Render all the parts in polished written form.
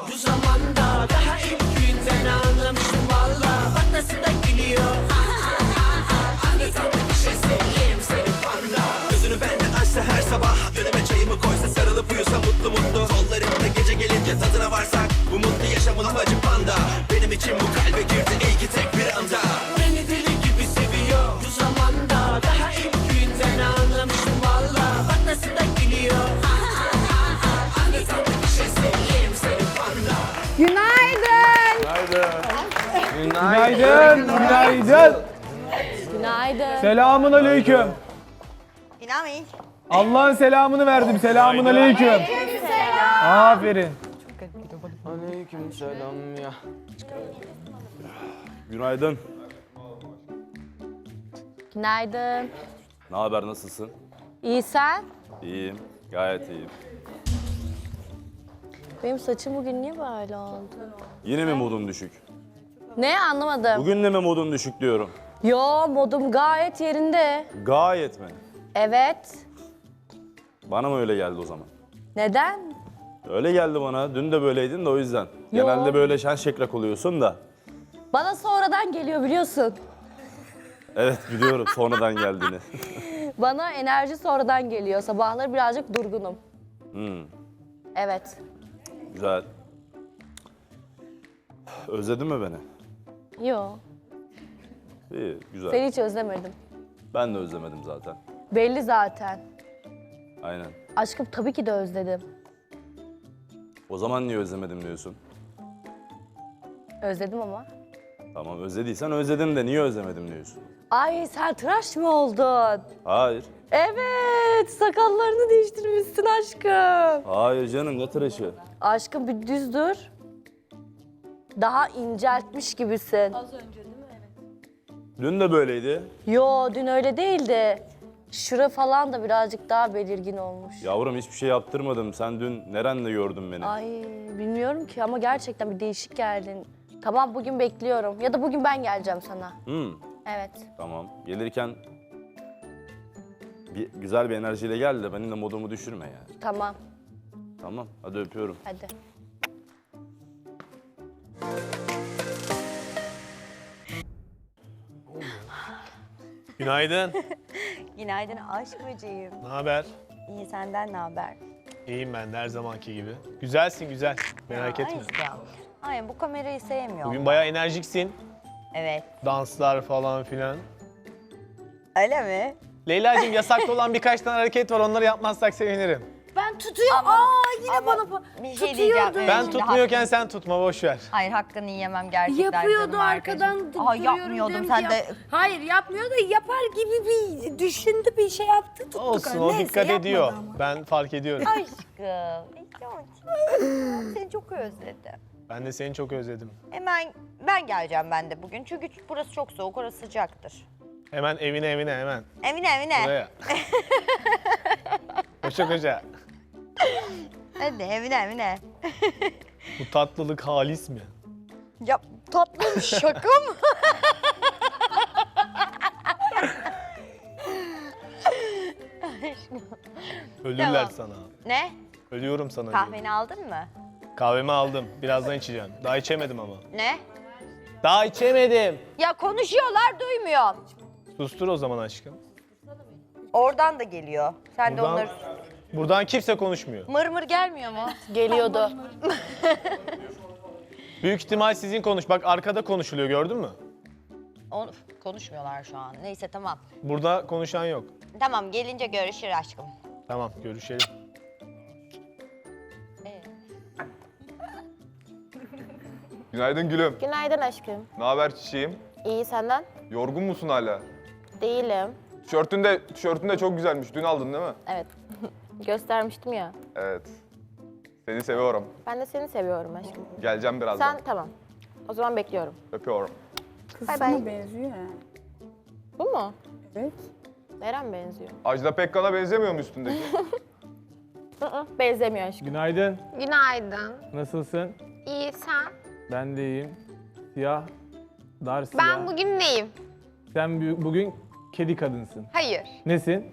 Bu zamanda daha ilk günden anlamıştım valla. Bak nasıl da gülüyor. Anlatan bir şey seveyim seni panda. Gözünü benden açsa her sabah, önüme çayımı koysa sarılıp uyusa mutlu mutlu. Kollarımda gece gelince tadına varsak, bu mutlu yaşamın amacı panda. Benim için bu kalbe girdi iyi ki tek bir anda. Beni deli gibi seviyor bu zamanda. Daha ilk günden anlamıştım valla. Bak nasıl da gülüyor. Anlatan bir şey seveyim seni panda. Günaydın. Günaydın. Günaydın. Günaydın. Selamun aleyküm. İnanmayın. Allah'ın selamını verdim. Selamun aleyküm. Aferin. Aleyküm selam ya. Günaydın. Günaydın. Ne haber, nasılsın? İyi sen? İyiyim, gayet iyiyim. Benim saçım bugün niye böyle oldu? Yine mi modun düşük? Ne anlamadım. Bugün de mi modun düşük diyorum. Yo modum gayet yerinde. Gayet mi? Evet. Bana mı öyle geldi o zaman? Neden? Öyle geldi bana. Dün de böyleydin de o yüzden. Genelde böyle şen şekrak oluyorsun da. Bana sonradan geliyor biliyorsun. Evet biliyorum sonradan geldiğini. Bana enerji sonradan geliyor. Sabahları birazcık durgunum. Evet. Güzel. Özledin mi beni? Yo. İyi, güzel. Seni hiç özlemedim. Ben de özlemedim zaten. Belli zaten. Aynen. Aşkım tabii ki de özledim. O zaman niye özlemedim diyorsun? Özledim ama. Tamam özlediysen özledim de niye özlemedim diyorsun? Ay sen tıraş mı oldun? Hayır. Evet, sakallarını değiştirmişsin aşkım. Hayır canım, ne tıraşı? Aşkım bir düz dur. Daha inceltmiş gibisin. Dün de böyleydi. Yo, dün öyle değildi. Şura falan da birazcık daha belirgin olmuş. Yavrum hiçbir şey yaptırmadım. Sen dün nerende gördün beni? Ay bilmiyorum ki ama gerçekten bir değişik geldin. Tamam bugün bekliyorum. Ya da bugün ben geleceğim sana. Evet. Tamam. Gelirken güzel bir enerjiyle gel de benim de modumu düşürme yani. Tamam. Tamam. Hadi öpüyorum. Hadi. Günaydın. Günaydın aşk böceğim. Ne haber? İyi senden ne haber? İyiyim ben de her zamanki gibi. Güzelsin güzel. Merak etme. Aşkım. Ay bu kamerayı sevmiyorum. Bugün bayağı enerjiksin. Evet. Danslar falan filan. Öyle mi? Leyla'cığım yasaklı olan birkaç tane hareket var. Onları yapmazsak sevinirim. Ben tutuyorum. Yine bana Bir şey diyeceğim. Ben Şimdi tutmuyorken sen tutma boş ver. Hayır hakkını yiyemem gerçekten. Yapıyordu canım arkadan arkadaşım. Aa, görüyorum yapmıyordum diyorum sen ki de. Hayır yapmıyor da yapar gibi bir düşündü bir şey yaptı tuttuk. Olsun Neyse, o dikkat yapmadı ediyor. ama. Ben fark ediyorum. Aşkım. Seni çok özledim. Ben de seni çok özledim. Hemen ben geleceğim ben de bugün. Çünkü burası çok soğuk, orası sıcaktır. Hemen evine hemen. Evine. Buraya. Koşa. Hadi evine. Bu tatlılık halis mi? Ya tatlım şaka mı? Ölürler Tamam. sana. Ne? Ölüyorum sana. diyorum. Kahveni aldın mı? Kahvemi aldım. Birazdan içeceğim. Daha içemedim ama. Ne? Daha içemedim. Ya konuşuyorlar duymuyorum. Sustur o zaman aşkım. Oradan da geliyor. Sen de Buradan- onları... Buradan kimse konuşmuyor. Mırmır gelmiyor mu? Geliyordu. Büyük ihtimal sizin konuş. Bak arkada konuşuluyor gördün mü? Onu konuşmuyorlar şu an. Neyse tamam. Burada konuşan yok. Tamam gelince görüşür aşkım. Tamam görüşelim. Günaydın gülüm. Günaydın aşkım. Ne haber çiçeğim? İyi senden? Yorgun musun hala? Değilim. Tişörtün de çok güzelmiş. Dün aldın değil mi? Evet. Göstermiştim ya. Evet. Seni seviyorum. Ben de seni seviyorum aşkım. Geleceğim birazdan. Sen tamam. O zaman bekliyorum. Öpüyorum. Bay bay. benziyor ya. Bu mu? Evet. Neren benziyor? Ajda Pekkan'a benzemiyor mu üstündeki? Benzemiyor aşkım. Günaydın. Günaydın. Nasılsın? İyi sen? Ben de iyiyim. Siyah, dar siyah. Ben bugün neyim? Sen bugün kedi kadınsın. Hayır. Nesin?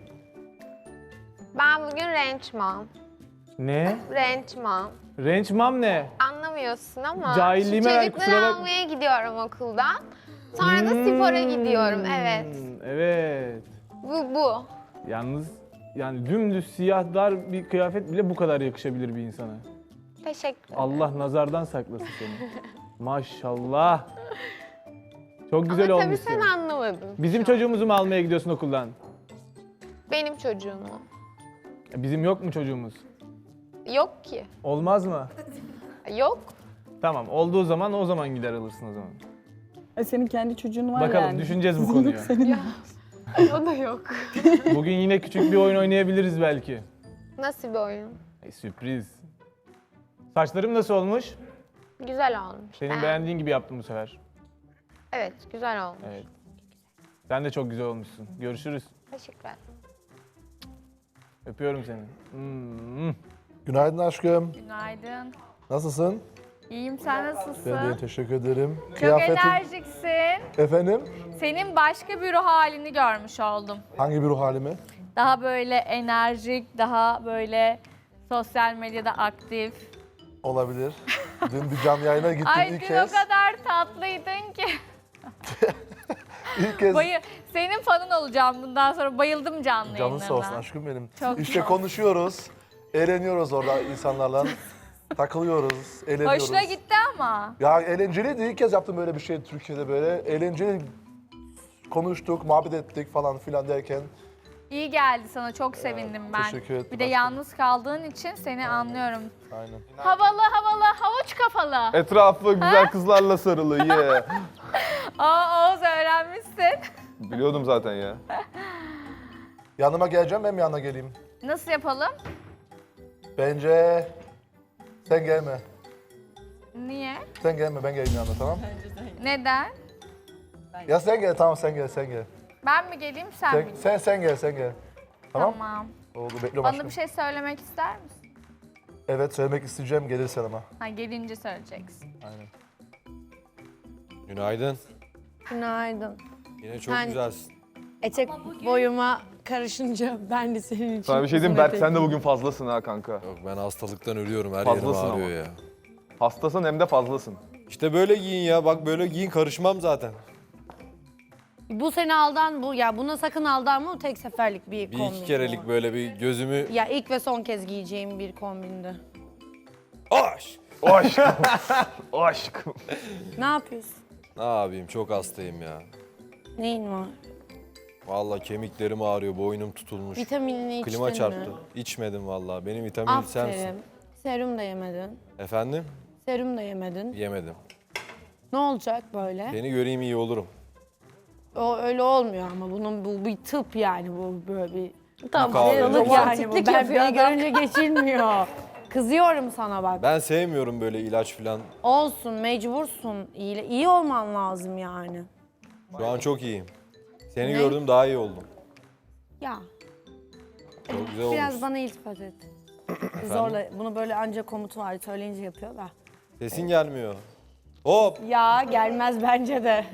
Ben bugün ranch mom. Ne? Ranch mom. Ranch mom ne? Anlamadım anlamıyorsun ama Cahilliğime ver, çocukları kusura bakma. almaya gidiyorum okuldan. Sonra da spora gidiyorum. Evet. Evet. Bu. Yalnız yani dümdüz siyah dar bir kıyafet bile bu kadar yakışabilir bir insana. Teşekkür ederim. Allah nazardan saklasın seni. Maşallah. Çok güzel Ama tabii olmuşsun. sen anlamadın. Bizim çocuğumuzu mu almaya gidiyorsun okuldan? Benim çocuğumu. Bizim yok mu çocuğumuz? Yok ki. Olmaz mı? Yok. Tamam, olduğu zaman o zaman gider alırsın o zaman. Senin kendi çocuğun var Bakalım yani. düşüneceğiz bu konuyu. O da yok. Bugün yine küçük bir oyun oynayabiliriz belki. Nasıl bir oyun? Sürpriz. Saçlarım nasıl olmuş? Güzel olmuş. Senin beğendiğin gibi yaptım bu sefer. Evet, güzel olmuş. Evet. Sen de çok güzel olmuşsun. Görüşürüz. Teşekkürler. Öpüyorum seni. Günaydın aşkım. Günaydın. Nasılsın? İyiyim, sen nasılsın? Ben de teşekkür ederim. Çok enerjiksin. Efendim? Senin başka bir ruh halini görmüş oldum. Hangi bir ruh halimi? Daha böyle enerjik, daha böyle sosyal medyada aktif. Olabilir. Dün bir canlı yayına gittim Ay ilk dün kez. o kadar tatlıydın ki. İlk kez. Senin fanın olacağım bundan sonra. Bayıldım canlı Canın yayınlarına. sağ olsun aşkım benim. Çok işte sağ ol. konuşuyoruz. Eğleniyoruz orada insanlarla. Takılıyoruz, eğleniyoruz. Hoşuna gitti ama. Ya eğlenceliydi. İlk kez yaptım böyle bir şey Türkiye'de böyle. Eğlenceli konuştuk, muhabbet ettik falan filan derken. İyi geldi sana, çok sevindim ben. teşekkür ederim Bir de aşkım. yalnız kaldığın için seni anlıyorum. Aynen. Havalı, havuç kafalı. Etrafı güzel kızlarla sarılı ye. Oğuz öğrenmişsin. Biliyordum zaten ya. Yanıma geleceğim, ben mi yanına geleyim? Nasıl yapalım? Bence sen gelme. Niye? Sen gelme, ben geleyim yanına, tamam? Neden? Ya sen gel, tamam sen gel, sen gel. Ben mi geleyim, sen mi? Sen gel, sen gel. Tamam? Tamam. Oldu, bekliyorum Bana aşkım. bir şey söylemek ister misin? Evet, söylemek isteyeceğim, gelirsen ama. Ha, gelince söyleyeceksin. Aynen. Günaydın. Günaydın. Yine çok Ben- güzelsin. Etek boyuma karışınca ben de senin için Sana bir şey diyeyim, Berk sen de bugün fazlasın ha kanka. Yok ben hastalıktan ölüyorum. Her Fazlasın yerim ağrıyor ya. Hastasın hem de fazlasın. İşte böyle giyin ya. Bak böyle giyin, karışmam zaten. Bu seni aldan bu ya buna sakın aldanma, o tek seferlik bir Bir kombin. iki kerelik böyle bir gözümü... Ya ilk ve son kez giyeceğim bir kombindi. Aş! O aşkım. O aşkım. Ne yapıyorsun? Ne yapayım, çok hastayım ya. Neyin var? Vallahi kemiklerim ağrıyor, boynum tutulmuş. Vitaminini içtin Klima mi? çarptı. İçmedim vallahi. Benim vitaminim sensin. Aferin. Serum da yemedin. Efendim? Serum da yemedin. Yemedim. Ne olacak böyle? Seni göreyim iyi olurum. O öyle olmuyor ama bu bir tıp yani, bu böyle bir Kahve. hastalık yani bu. Romantiklik Ben yapıyor beni adam. görünce geçilmiyor. Kızıyorum sana bak. Ben sevmiyorum böyle ilaç falan. Olsun, mecbursun. İyi olman lazım yani. Şu an çok iyiyim. Seni Ne? gördüm, daha iyi oldum. Ya Çok güzel biraz olmuş. bana iltifat et. Zorla bunu böyle ancak komutu var söyleyince yapıyor da. Sesin gelmiyor. Hop! Ya gelmez bence de.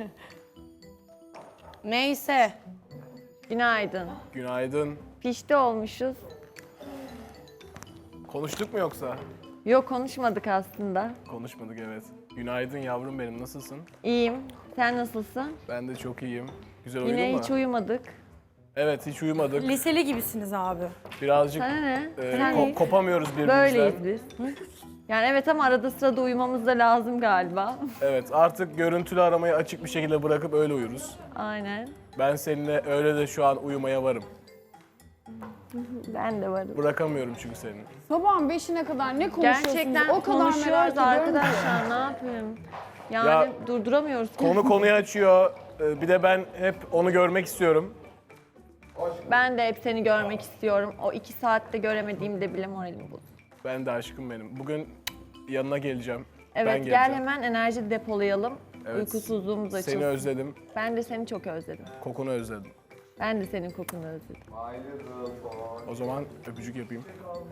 Neyse. Günaydın. Günaydın. Pişti olmuşuz. Konuştuk mu yoksa? Yok konuşmadık aslında. Konuşmadık evet. Günaydın yavrum benim, nasılsın? İyiyim. Sen nasılsın? Ben de çok iyiyim. Güzel uyudun Yine mu? hiç uyumadık. Evet, hiç uyumadık. Liseli gibisiniz abi. Birazcık Sana ne? kopamıyoruz birbirimizden. Böyleyiz biz. Yani evet ama arada sırada uyumamız da lazım galiba. Evet, artık görüntülü aramayı açık bir şekilde bırakıp öyle uyuruz. Aynen. Ben seninle öyle de şu an uyumaya varım. Ben de varım. Bırakamıyorum çünkü seni. Sabahın 5'ine kadar ne konuşuyorsunuz? Gerçekten o kadar merak konuşuyoruz ediyorum arkadaşlar. Ne yapayım? Yani Ya, durduramıyoruz. Konu konuyu açıyor. Bir de ben hep onu görmek istiyorum. Ben de hep seni görmek istiyorum. O 2 saatte göremediğimde bile moralim bozuldu. Ben de aşkım benim. Bugün yanına geleceğim. ben Evet geleceğim. gel hemen enerji depolayalım. Evet. Uykusuzluğumuz açılsın. Seni özledim. Ben de seni çok özledim. Kokunu özledim. Ben de senin kokunu özledim. O zaman öpücük yapayım.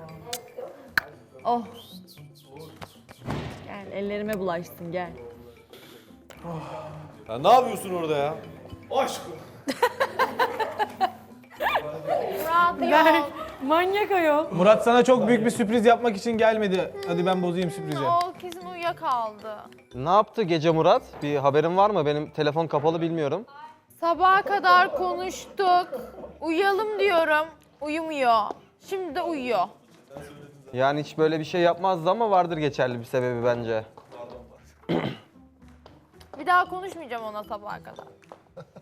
Oh. Gel ellerime bulaşsın gel. Ya ne yapıyorsun orada ya? Aşkım. Manyak ayol. Murat sana çok büyük bir sürpriz yapmak için gelmedi. Hadi ben bozayım sürprizi. O kesin uyuyakaldı. Ne yaptı gece Murat? Bir haberin var mı? Benim telefon kapalı bilmiyorum. Sabaha kadar konuştuk. Uyuyalım diyorum. Uyumuyor. Şimdi de uyuyor. Yani hiç böyle bir şey yapmazdı ama vardır geçerli bir sebebi bence. Bir daha konuşmayacağım ona sabaha kadar.